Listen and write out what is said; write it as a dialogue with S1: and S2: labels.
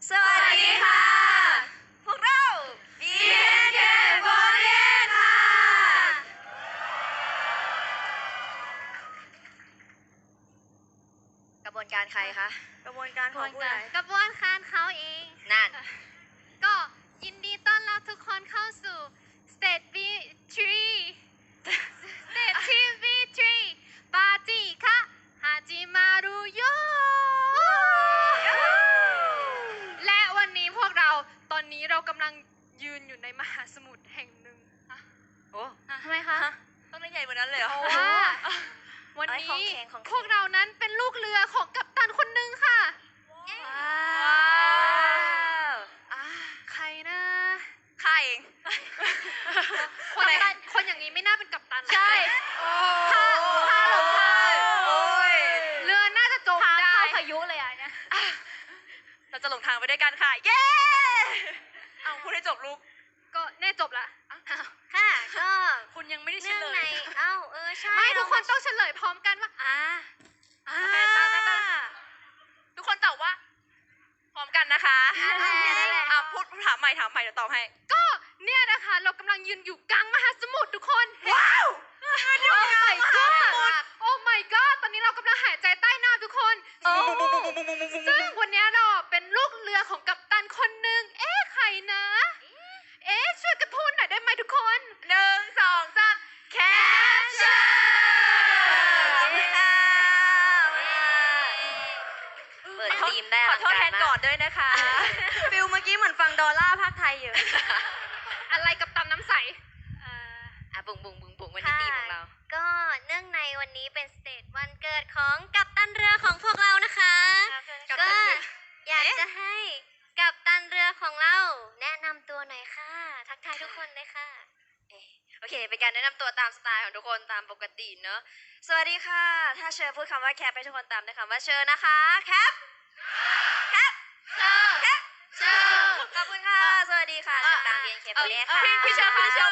S1: สวัสดีค่ะพวกเรา BNK48 ค่ะกระบวนการใครคะกระบวนการของผู้ใด
S2: กระบวนการเขาเอง
S1: นั่น
S2: ก็ยินดีต้อนรับทุกคนเข้าสู่ State B3 State B3 ปาร์ตี้ค่ะฮาจิมารุโยและวันนี้พวกเราตอนนี้เรากำลังยืนอยู่ในมหาสมุทรแห่งหนึ่ง
S1: โอ้
S2: ทำไมคะ
S1: ต้องได้ใหญ่กว่านั้นเลยเหรอ
S2: เพราะว่าวันนี้พวกเรานั้นเป็นลูกเรือของกัปตันคนหนึ่งค่ะ
S1: ว้าว
S2: ใครนะ
S1: ข้าเอง
S2: คนอย่างนี้ไม่น่าเป็นกัปตัน
S1: ใช่ข้าหลงทางโอ้ย
S2: เรือน่าจะจมได้
S3: พายุเลยอ่ะเนี่ย
S1: เราจะหลงทางไปด้วยกันค่ะ เย้เอาพูดให้จบลูก
S2: ก็แน่จบละ
S3: ค่ะก็
S1: คุณยังไม่ได้เฉ
S3: เนื่อง
S1: ล
S3: ใน
S1: ย
S3: ใช่
S2: ไม่ทุกคนต้องเฉลยพร้อมกันว่า
S1: ทุกคนตอบว่า พร้อมกันนะคะพูดถามใหม่เดี๋ยวตอบให้
S2: ก็เนี่ยนะคะเรากำลังยืนอยู่กลางมหาสมุทรทุกคน
S1: ว้าว
S2: โอ้ my god โอ้ my god ตอนนี้เรากำลังหายใจใต้น้ำทุกคนซึ่งวันนี้เราเป็นลูกเรือของกัปตันคนหนึ่งใครนะ ช่วยกันพูดหน่อยได้ไหมทุกคน
S1: 1 2 3แคปชั่น
S3: เปิดทีมได้
S1: ขอโทษแทนก่อนด้วยนะคะ ฟิลเมื่อกี้เหมือนฟังดอลล่าภาคไทยอยู่
S2: อะไรกัปตันน้ำใส
S1: บุ๋งวันนี้ทีมของเรา
S3: ก็เนื่องในวันนี้เป็นสเตจวันเกิดของกัปตันเรือของพวกเรานะคะ
S1: กัปตั
S3: ก็
S1: นเรือ
S3: อยากจะให้กัปตันเรือของเราแนะนำตัวหน่อยค่ะ ทักทายทุกคนเลยค่ะ
S1: โอเค เป็นการแนะนำตัวตามสไตล์ของทุกคนตามปกติเนอะสวัสดีค่ะ ถ้าเชอพูดคำว่าแคปให้ทุกคนตามด้วยคำว่าเชอนะคะแคปแคปเชอขอบคุณค่ะ สวัสดีค่ะจากดังเรียนเคปเล่ค่ะ
S2: พี่เชอ